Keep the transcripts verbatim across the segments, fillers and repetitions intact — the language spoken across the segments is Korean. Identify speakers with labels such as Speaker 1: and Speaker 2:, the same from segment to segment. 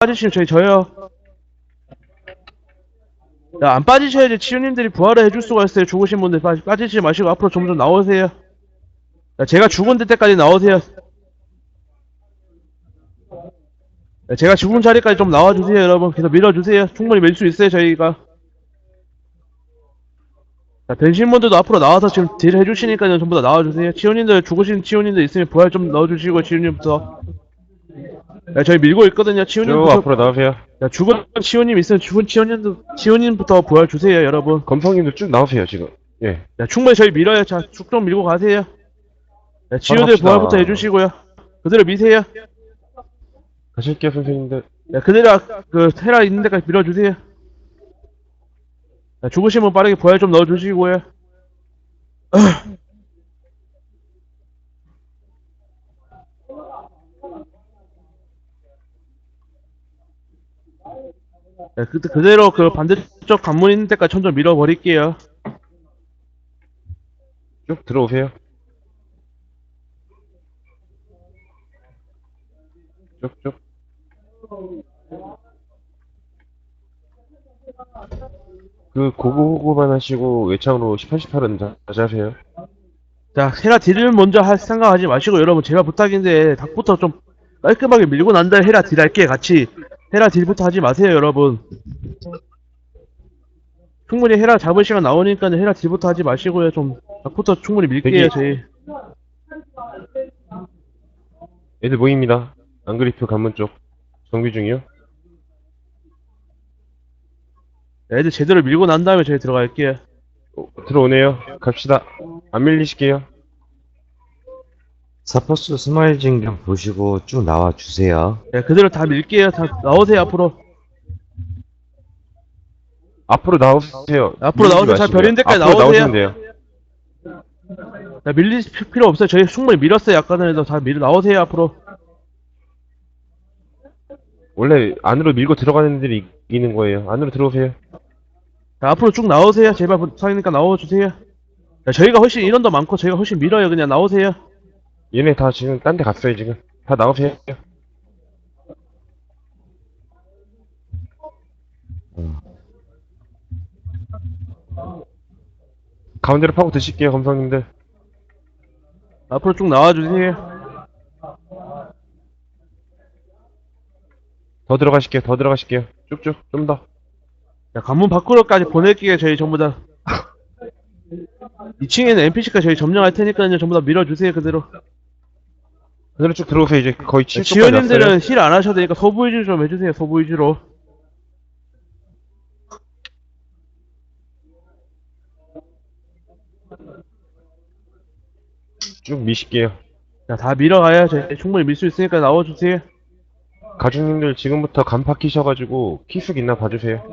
Speaker 1: 빠지시면 저희 져요. 야, 안 빠지셔야지 치유님들이 부활을 해줄 수가 있어요. 죽으신 분들 빠, 빠지지 마시고 앞으로 좀 좀 나오세요. 야, 제가 죽은 데까지 나오세요. 야, 제가 죽은 자리까지 좀 나와주세요, 여러분. 계속 밀어주세요. 충분히 밀 수 있어요, 저희가. 자, 변신분들도 앞으로 나와서 지금 딜 해주시니까요. 전부 다 나와주세요. 치유님들, 죽으신 치유님들 있으면 부활 좀 넣어주시고, 치유님부터. 야, 저희 밀고 있거든요.
Speaker 2: 쭉
Speaker 1: 치유님부터.
Speaker 2: 앞으로 나오세요.
Speaker 1: 야, 죽은 치유님 있으면 죽은 치유님도, 치유님부터 부활 주세요, 여러분.
Speaker 2: 검성님도 쭉 나오세요, 지금. 예.
Speaker 1: 야, 충분히 저희 밀어요. 자, 쭉 좀 밀고 가세요. 야, 치유들
Speaker 2: 갑시다.
Speaker 1: 부활부터 해주시고요. 그대로 미세요.
Speaker 2: 가실게요, 선생님들.
Speaker 1: 야, 그대로 아- 그 테라 있는 데까지 밀어주세요. 야, 죽으시면 빠르게 부활 좀 넣어주시고요. 야, 그, 그대로 그 반대쪽 관문 있는 데까지 천천히 밀어버릴게요.
Speaker 2: 쭉 들어오세요. 쭉쭉. 그 고고고만 하시고 외창으로 십팔, 십팔은 다시 하세요.
Speaker 1: 자, 헤라 딜을 먼저 할 생각하지 마시고 여러분 제가 부탁인데 닭부터 좀 깔끔하게 밀고 난 다음에 헤라 딜 할게 같이. 헤라 딜부터 하지 마세요, 여러분. 충분히 헤라 잡을 시간 나오니까 헤라 딜부터 하지 마시고요. 좀 닭부터 충분히 밀게요,
Speaker 2: 대기.
Speaker 1: 저희.
Speaker 2: 애들 모입니다. 안그리프 관문 쪽. 정비 중이요.
Speaker 1: 애들 제대로 밀고 난 다음에 저희 들어갈게요.
Speaker 2: 어, 들어오네요. 갑시다. 안 밀리실게요.
Speaker 3: 사퍼스 스마일 징좀 보시고 쭉 나와 주세요.
Speaker 1: 네, 그대로 다 밀게요. 다 나오세요, 앞으로.
Speaker 2: 앞으로 나오세요.
Speaker 1: 앞으로
Speaker 2: 밀리지
Speaker 1: 나오세요. 자,
Speaker 2: 마시고요.
Speaker 1: 별인 데까지
Speaker 2: 앞으로
Speaker 1: 나오세요.
Speaker 2: 나오시면 돼요.
Speaker 1: 자, 밀릴 필요 없어요. 저희 충분히 밀었어요. 아까 전에도 다 밀어 나오세요, 앞으로.
Speaker 2: 원래 안으로 밀고 들어가는 애들이 이기는 거예요. 안으로 들어오세요.
Speaker 1: 자, 앞으로 쭉 나오세요. 제발 부탁이니까 나와주세요. 자, 저희가 훨씬 인원도 많고 저희가 훨씬 밀어요. 그냥 나오세요.
Speaker 2: 얘네 다 지금 딴 데 갔어요, 지금. 다 나오세요. 가운데로 파고 드실게요, 검성님들.
Speaker 1: 앞으로 쭉 나와주세요.
Speaker 2: 더 들어가실게요, 더 들어가실게요. 쭉쭉, 좀 더.
Speaker 1: 자, 관문 밖으로까지 보낼게요. 저희 전부 다. 이 층에는 엔피씨까지 저희 점령할 테니까요. 전부 다 밀어주세요. 그대로.
Speaker 2: 그대로 쭉 들어오세요. 이제 거의 칠 초까지
Speaker 1: 지원님들은
Speaker 2: 왔어요.
Speaker 1: 힐 안 하셔도 되니까 소부 위주로 좀 해주세요. 소부 위주로.
Speaker 2: 쭉 미실게요.
Speaker 1: 자, 다 밀어가야 저희 충분히 밀 수 있으니까 나와주세요.
Speaker 2: 가주님들 지금부터 간파 키셔가지고 키숙 있나 봐주세요.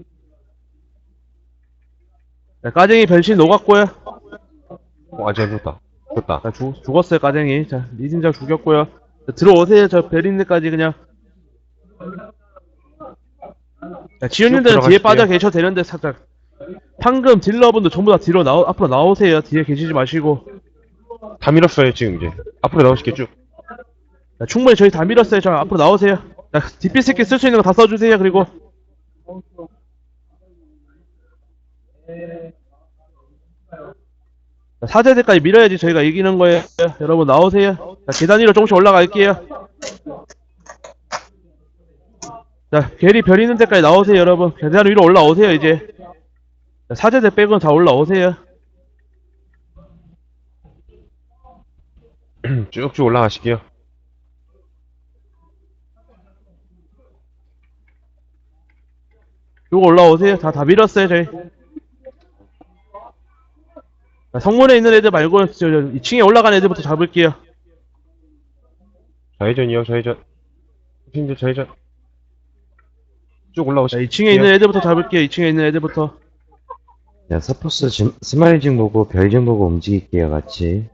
Speaker 1: 자, 까쟁이 변신 녹았고요.
Speaker 2: 어, 아직 안 죽었다. 죽었다.
Speaker 1: 자, 죽, 죽었어요, 까쟁이. 자, 리진장 죽였고요. 자, 들어오세요. 저 베린드까지 그냥. 자, 지훈님들은 뒤에
Speaker 2: 들어가실게요.
Speaker 1: 빠져 계셔도 되는데, 살짝. 방금 딜러분들 전부 다 뒤로 나오, 앞으로 나오세요. 뒤에 계시지 마시고.
Speaker 2: 다 밀었어요, 지금 이제. 앞으로 나오실게요, 쭉.
Speaker 1: 자, 충분히 저희 다 밀었어요. 저 앞으로 나오세요. 자, 디피 스킬 쓸 수 있는 거 다 써주세요. 그리고. 자, 사제대까지 밀어야지 저희가 이기는 거예요. 여러분 나오세요. 자, 계단 위로 조금씩 올라갈게요. 자, 괴리 별 있는 데까지 나오세요, 여러분. 계단 위로 올라오세요, 이제. 자, 사제대 빼고는 다 올라오세요.
Speaker 2: 쭉쭉 올라가실게요.
Speaker 1: 쭉 올라오세요. 다, 다 밀었어요, 저희. 자, 성문에 있는 애들 말고, 저, 저, 이 층에 올라간 애들부터 잡을게요.
Speaker 2: 좌회전이요, 좌회전. 팀들 좌회전. 쭉
Speaker 1: 자,
Speaker 2: 올라오실게요.
Speaker 1: 이 층에 있는 애들부터 잡을게요, 이 층에 있는 애들부터.
Speaker 3: 자, 사퍼스 징- 스마일 징 보고 별 징 보고 움직일게요, 같이.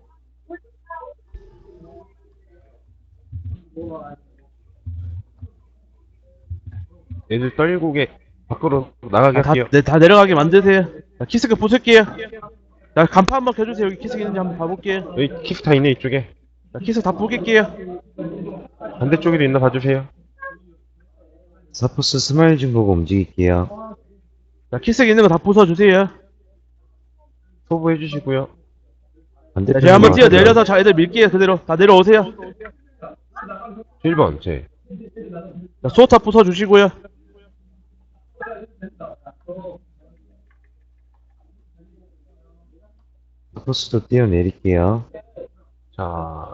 Speaker 2: 애들 떨고게 밖으로 나가게
Speaker 1: 자, 다,
Speaker 2: 할게요.
Speaker 1: 네, 다 내려가게 만드세요. 자, 키스크 부술게요. 자, 간판 한번 켜주세요. 여기 키스크 있는지 한번 봐볼게요.
Speaker 2: 여기 키스 다 있네, 이쪽에.
Speaker 1: 자, 키스크 다 부길게요.
Speaker 2: 반대쪽에도 있나 봐주세요.
Speaker 3: 서포스 스마일징 보고 움직일게요.
Speaker 1: 자, 키스기 있는 거 다 부숴주세요.
Speaker 2: 소부해 주시고요.
Speaker 1: 자,
Speaker 3: 반대편
Speaker 1: 제가 한번
Speaker 3: 넘어갈게요.
Speaker 1: 뛰어 내려서 자, 애들 밀게요. 그대로. 다 내려오세요.
Speaker 2: 일 번, 제.
Speaker 1: 자, 수호타 부숴주시고요.
Speaker 3: 서포스도 뛰어내릴게요.
Speaker 2: 자,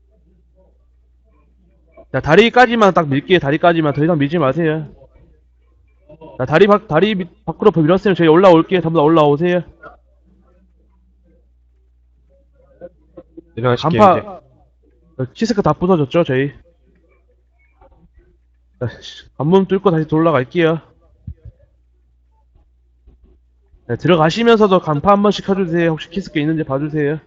Speaker 1: 자, 다리까지만 딱 밀게요. 다리까지만. 더 이상 밀지 마세요. 자, 다리 밖, 다리 밑, 밖으로 밀었으면 저희 올라올게요. 전부 다 올라오세요.
Speaker 2: 내려가실게요, 이제.
Speaker 1: 간파, 어, 키스크 다 부서졌죠, 저희. 자, 관문 뚫고 다시 돌아갈게요. 네, 들어가시면서도 간파 한 번씩 켜주세요. 혹시 키스크 있는지 봐주세요.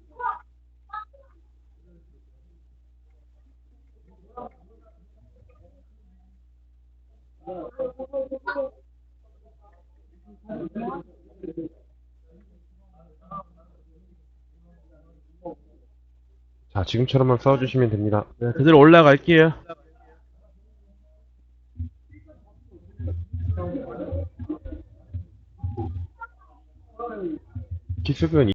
Speaker 2: 자, 지금처럼만 싸워주시면 됩니다.
Speaker 1: 네, 그대로 올라갈게요.
Speaker 2: 기습은